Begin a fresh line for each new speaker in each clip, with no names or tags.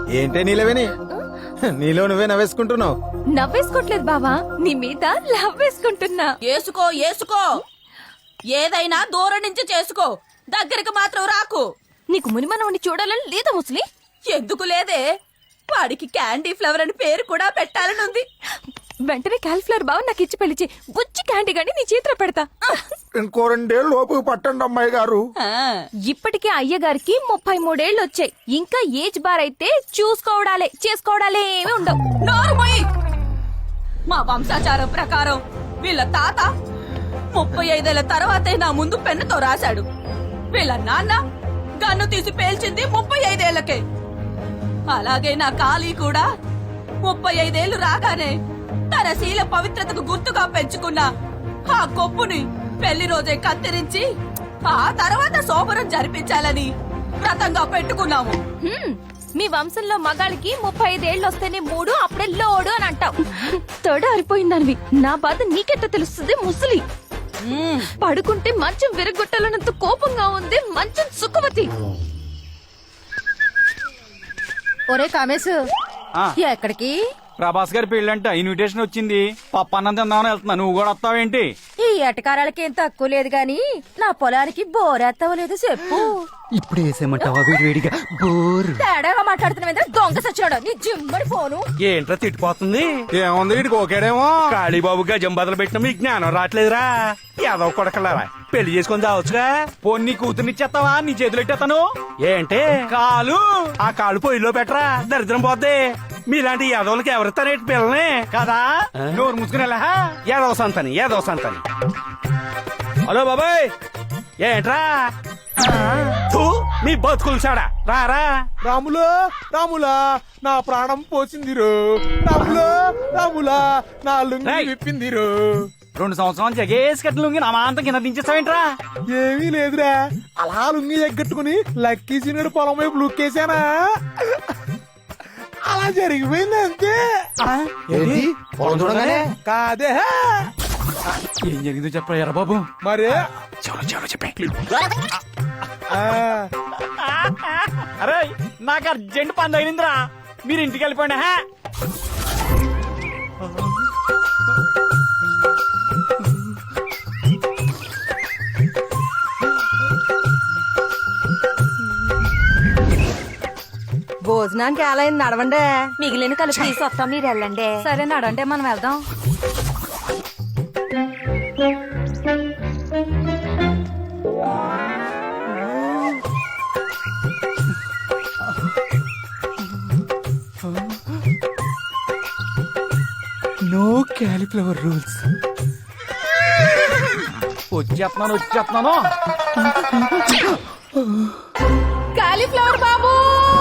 ఏంటే నీలవేని నీలో నువ్వే నవ్వేసుకుంటున్నావు.
నవ్వేసుకోవట్లేదు బావా, నీ మీద లవ్ వేసుకుంటున్నా.
ఏసుకో ఏసుకో, ఏదైనా దూరం నుంచి చేసుకో, దగ్గరికి మాత్రం రాకు.
నీకు మునిమనవుని చూడాలని లేదా ముసలి?
ఎందుకు లేదే, వాడికి క్యాండీ ఫ్లవర్ అని పేరు కూడా పెట్టాలని ఉంది.
వెంటనే క్యాలిఫ్లవర్ బావ నాకు ఇచ్చి పెళ్లిచి బుజ్జి క్యాండీ గాని నీ చేతిలో పెడతా.
ఇంకో 2 ఏళ్ళు లోపు పట్టండి అమ్మాయి గారు.
ఇప్పటికే అయ్యగారికి 33 ఏళ్ళు వచ్చాయి. ఇంకా ఏజ్ బార్ అయితే చేసుకోవడాలే ఏమి ఉండవు.
నోరు మూయి. మా వంశాచారం ప్రకారం వీళ్ళ తాత 35 ఏళ్ల తర్వాతే నా ముందు పెన్నుతో రాశాడు. వీళ్ళ నాన్న గన్ను తీసి పేల్చింది 35 ఏళ్లకే. అలాగే నా కాళీ కూడా 35 ఏళ్లు రాగానే తన శీల పవిత్రతకు గుర్తుగా పెంచుకున్న ఆ కొప్పుని పెళ్లి రోజే కత్తిరించి ఆ తర్వాత శోభనం జరిపించాలని వ్రతంగా పెట్టుకున్నాము.
మీ వంశంలో మగాళ్ళకి 35 ఏళ్ళు వస్తేనే 3, అప్పుడే లోడు అని అంటావు. తొడ అరిపోయిందనివి, నా బాధ నీకెట్ట తెలుస్తుంది ముసలి? పడుకుంటే మంచం విరగొట్టాలన్నంత కోపంగా ఉంది మంచం సుఖవతి.
ఒరే కామేశ్, ఎక్కడికి?
ప్రభాస్ గారి పెళ్ళంట, ఇన్విటేషన్ వచ్చింది. పప్పన్నం తిందామని వెళ్తున్నా, నువ్వు కూడా వస్తావేంటి?
ఈ ఎటకారాలకి ఏం తక్కువ లేదు గాని నా పొలానికి బోరేత్తవలేదు చెప్పు.
ఇప్పుడు వేసేయమంటావా వేడివేడిగా? బోర్
తేడాగా మాట్లాడుతున్నా దొంగ సచ్చాడు నీ జిమ్మడి ఫోను.
ఏంట్రా తిట్టిపోతుంది?
ఏముంది వీడికి ఓకేడేమో.
కాళీబాబు గజం బదులు పెట్టిన మీకు జ్ఞానం రావట్లేదురా? ఏదో కొడకలారా పెళ్లి చేసుకొని చావచ్చుగా.
పొన్ని కూతుర్నిచ్చేస్తావా? నీ చేతులు ఎట్టేస్తాను.
ఏంటి
కాలు
ఆ కాళ్ళు పొయ్యిలో పెట్టరా, దరిద్రం పోద్ది. మీలాంటి యాదవులకి ఎవరిస్తారేంటి పిల్లని
కదా? నోరు ముసుకునేలా
యాదవ సంతని హలో బాబాయ్, ఏంట్రా తూ, మీ బతుకులు చాడా రారా.
రాములా నా ప్రాణం పోసిందిరు. రాములా నా లుంగి
రేయ్.
విప్పిందిరు.
2 సంవత్సరాలు జగేసి కట్టిన నా మాంతం కింద దించేస్తావేంట్రా?
ఏమీ లేదురా, అలా లుంగి ఎగ్గట్టుకుని లక్కీ సీనుడు పొలం వైపు లుక్కేసానా, అలా జరిగిపోయింది అంతే.
ఏంటి పొలం చూడగానే?
కాదే
ఏం జరిగిందో చెప్పరా ఎర్ర బాబు?
మరి
చెప్పే
ఆ,
అరే నాకు అర్జెంట్ పని తగిలిందిరా, మీరు ఇంటికి వెళ్ళిపోండి.
భోజనానికి ఎలా అయింది? నడవండి.
మిగిలిన కలిపి తీసుకొస్తాం, మీరు వెళ్ళండి.
సరే నడండి, మనం వెళ్దాం.
No cauliflower rules.
వచ్చేస్తున్నాను.
కాలీఫ్లవర్ బాబు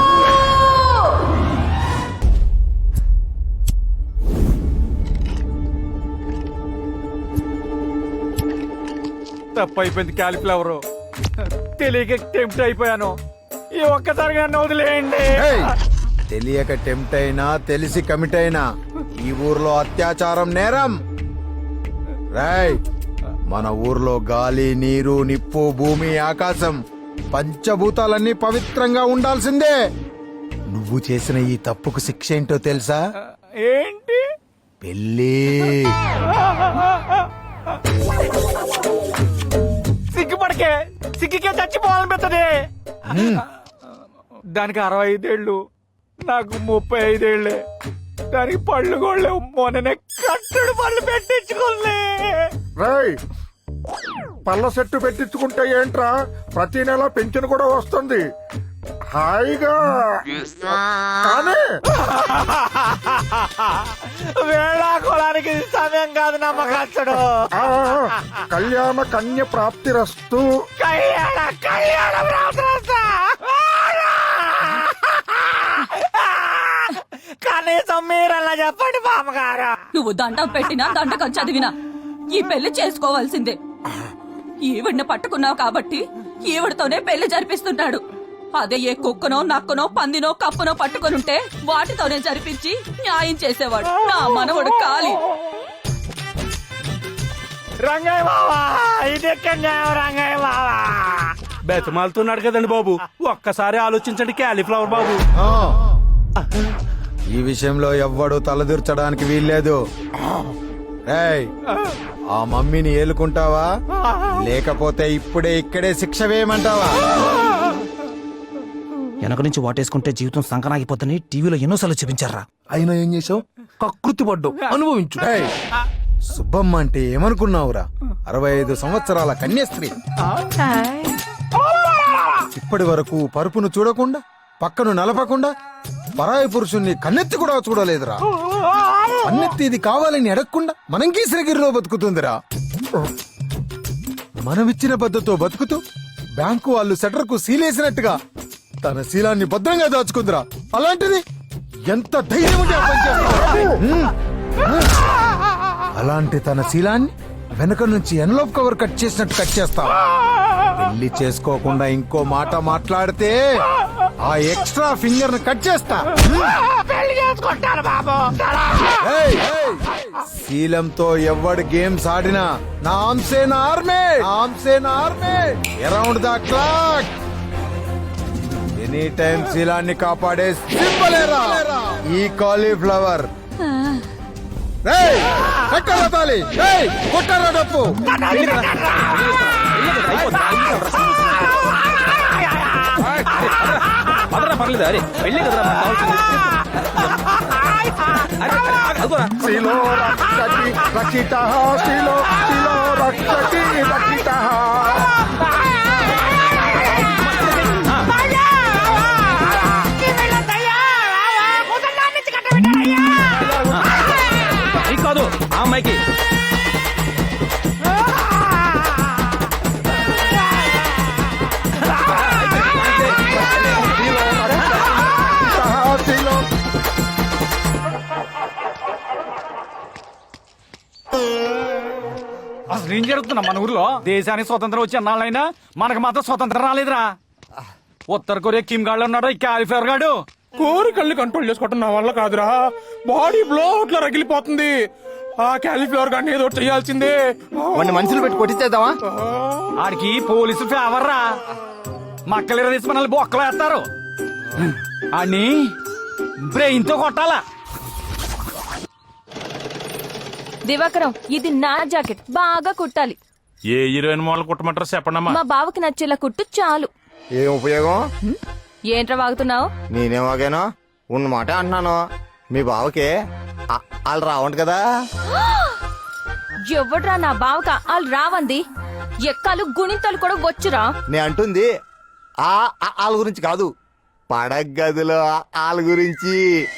తప్పు అయిపోయింది. క్యాలిఫ్లవర్ తెలియక టెంప్ట్ అయిపోయాను. ఈ ఒక్కసారిగా నన్ను వదిలేయండి.
ఏయ్, తెలియక టెంప్ట్ అయినా తెలిసి కమిట్ అయినా ఈ ఊర్లో అత్యాచారం నేరం. రాయ్, మన ఊర్లో గాలి, నీరు, నిప్పు, భూమి, ఆకాశం పంచభూతాలన్నీ పవిత్రంగా ఉండాల్సిందే. నువ్వు చేసిన ఈ తప్పుకు శిక్ష ఏంటో తెలుసా?
ఏంటి?
పెళ్ళి.
సిగ్గుపడకే, సిగ్గుకే చచ్చిపోవాలనిపిస్తుంది. దానికి 65 ఏళ్ళు, నాకు 35 ఏళ్ళే. దానికి పళ్ళు గోళ్ళే. మొన్ననే కట్టడు పళ్ళు పెట్టించుకోలే.
రేయ్, పళ్ళ సెట్టు పెట్టించుకుంటే ఏంట్రా, ప్రతి నెల పెన్షన్ కూడా వస్తుంది హాయిగా. కానీ
వేళాకోళానికి సమయం కాదు నమ్మకచ్చడు.
ఆ, కళ్యాణ కన్య ప్రాప్తిరస్తు.
కళ్యాణ ప్రాప్తిరస్తు. కనీసం మీరలా చెప్పండి బామ్మగారు.
నువ్వు దండం పెట్టినా దండకం చదివినా ఈ పెళ్లి చేసుకోవాల్సిందే. ఈవిడ్ని పట్టుకున్నావు కాబట్టి ఈవిడతోనే పెళ్లి జరిపిస్తున్నాడు. అదే ఏ కుక్కనో, నక్కనో, పందినో, కప్పనో పట్టుకొనుంటే వాటితోనే జరిపించి న్యాయం చేసేవాడు నా మనవడు కాళీ.
రంగయ్య బావా, ఇది ఎక్కడ న్యాయం రంగయ్య బావా?
బెతమాలుతున్నాడు కదండి బాబు, ఒక్కసారి ఆలోచించండి క్యాలీఫ్లవర్ బాబు.
ఈ విషయంలో ఎవ్వడు తలదూర్చడానికి వీల్లేదు. ఏయ్, ఆ మమ్మీని ఏలుకుంటావా లేకపోతే ఇప్పుడే ఇక్కడే శిక్ష వేయమంటావా?
వెనక నుంచి వాటేసుకుంటే జీవితం సంకనాగిపోతుంది టీవీలో ఎన్నోసార్లు చూపించారా.
అయినా ఏం చేసావు? కకృతి పడ్డావు, అనుభవించు.
ఏయ్, సుబ్బమ్మ అంటే ఏమనుకున్నావురా? 65 సంవత్సరాల కన్యాస్త్రీ. ఇప్పటి వరకు పరుపును చూడకుండా, పక్కను నలపకుండా, పరాయి పురుషుణ్ణి కన్నెత్తి కూడా చూడలేదురా. కన్నెత్తి ఇది కావాలని అడగకుండా మనం గీసిరగిరిలో బతుకుతుందిరా. మనమిచ్చిన పద్ధతితో బతుకుతూ బ్యాంకు వాళ్ళు సెటర్ కు సీలేసినట్టుగా తన శీలాన్ని భద్రంగా దాచుకుందిరా. అలాంటిది ఎంత ధైర్యం ఉంటే ఆ పని చేస్తావురా? అలాంటి తన శీలాన్ని వెనక నుంచి ఎన్లోప్ కవర్ కట్ చేసినట్టు కట్ చేస్తావు. పెళ్లి చేసుకోకుండా ఇంకో మాట మాట్లాడితే ఆ ఎక్స్ట్రా ఫింగర్ ని కట్ చేస్తా. ఏయ్, ఏయ్, శీలంతో ఎవడు గేమ్స్ ఆడినా నాంసేన ఆర్మే, నాంసేన army around the clock. Any time శీలాన్ని కాపాడే సింబలేరా ఈ కాలీఫ్లవర్. కట్టరా తాలి, కొట్టరా డప్పు.
పర్లేదు, అరే వెళ్ళే కదరా మనకు కావాల్సింది.
శిలో రక్షతి రక్షితః, శిలో శిలో రక్షతి రక్షితః.
నీకు కాదు ఆ అమ్మాయికి. అసలు ఏం జరుగుతున్నా మన ఊర్లో? దేశానికి స్వతంత్రం వచ్చి అన్నాళ్ళైనా మనకు మాత్రం స్వతంత్రం రాలేదురా. ఉత్తర కొరియా కిమ్ గాడు ఉన్నాడు, ఈ కాలిఫ్లవర్ గాడు.
కోరికల్ని కంట్రోల్ చేసుకోవటం నా వల్ల కాదురా. బాడీ బ్లోట్ లో రగిలిపోతుంది. ఆ క్యాలిఫ్లవర్ గాని ఏదో చేయాల్సిందే.
మనుషులు పెట్టి కొట్టించేద్దామా?
ఆడికి పోలీసు ఫేవర్ రా. మక్కలు తీసి మనల్ని బొక్కలు వేస్తారు. అని బ్రెయిన్ తో కొట్టాలా.
దివాకరం, ఇది నా జాకెట్, బాగా కుట్టాలి.
ఏ హీరోయిన్ మోడల్ కుట్టమంటారు చెప్పండమ్మా.
మా బావకి నచ్చేలా కుట్టు చాలు.
ఏం ఉపయోగం?
ఏంట్రా వాగుతున్నావు?
నేనేమాగానో ఉన్న మాట అంటున్నాను. మీ బావకి వాళ్ళు రావండి కదా.
ఎవడ్రా నా బావక వాళ్ళు రావంది? ఎక్కాలు గుణింతలు కూడా వచ్చురా.
నే అంటుంది వాళ్ళ గురించి కాదు, పడగ గదిలో వాళ్ళ గురించి.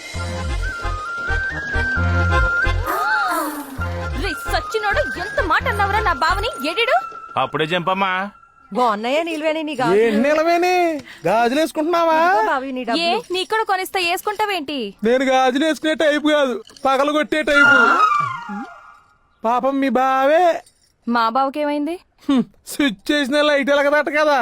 రే సచ్చినోడు, ఎంత మాట అన్నావురా నా బావని? ఎడిడు
అప్పుడే చంపమ్మా.
బాగున్నాయా నిల్వేని నీ
నిలవేని గాజులు వేసుకుంటున్నావా?
ఏ నీక్కడ కొనిస్తా వేసుకుంటావేంటి?
నేను గాజులు వేసుకునే టైపు కాదు, పగలు కొట్టే టైపు. పాపం మీ బావే
మా బావకేమైంది?
స్విచ్ చేసిన లైట్ ఎలగదట కదా.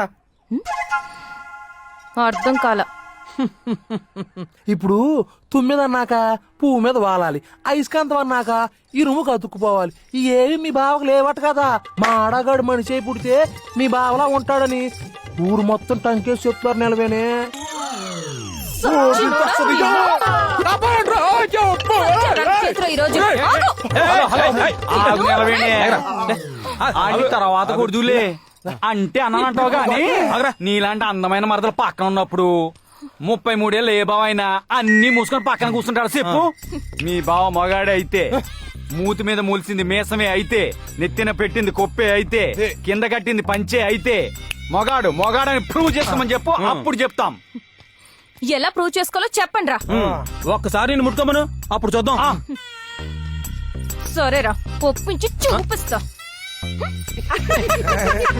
అర్థం కాల.
ఇప్పుడు తుమ్మిద అన్నాక పువ్వు మీద వాలాలి, అయస్కాంతం అన్నాక ఇరుముకు అతుక్కుపోవాలి. ఏవి మీ బావకు లేవట కదా. మా ఆడగాడు మనిషి పుడితే మీ బావలా ఉంటాడని ఊరు మొత్తం టంకేసి చెప్తారు. నిలవేనే
తర్వాత కొడుదులే అంటే అన్నానంటావు గాని, నీలాంటి అందమైన మరదలు పక్కన ఉన్నప్పుడు 33 ఏళ్ళు ఏ బావ అయినా అన్ని మూసుకొని పక్కన కూర్చుంటాడు చెప్పు. మీ బావ మగాడే అయితే, మూతి మీద మూల్సింది మీసమే అయితే, నెత్తిన పెట్టింది కొప్పే అయితే, కింద కట్టింది పంచే అయితే మొగాడు మొగాడని ప్రూవ్ చేసుకోమని చెప్పు, అప్పుడు చెప్తాం.
ఎలా ప్రూవ్ చేసుకోవాలో చెప్పండి రా.
ఒక్కసారి నేను ముట్టుకోమను, అప్పుడు చూద్దాం.
సరేరా, ఒప్పించి చూపిస్తా.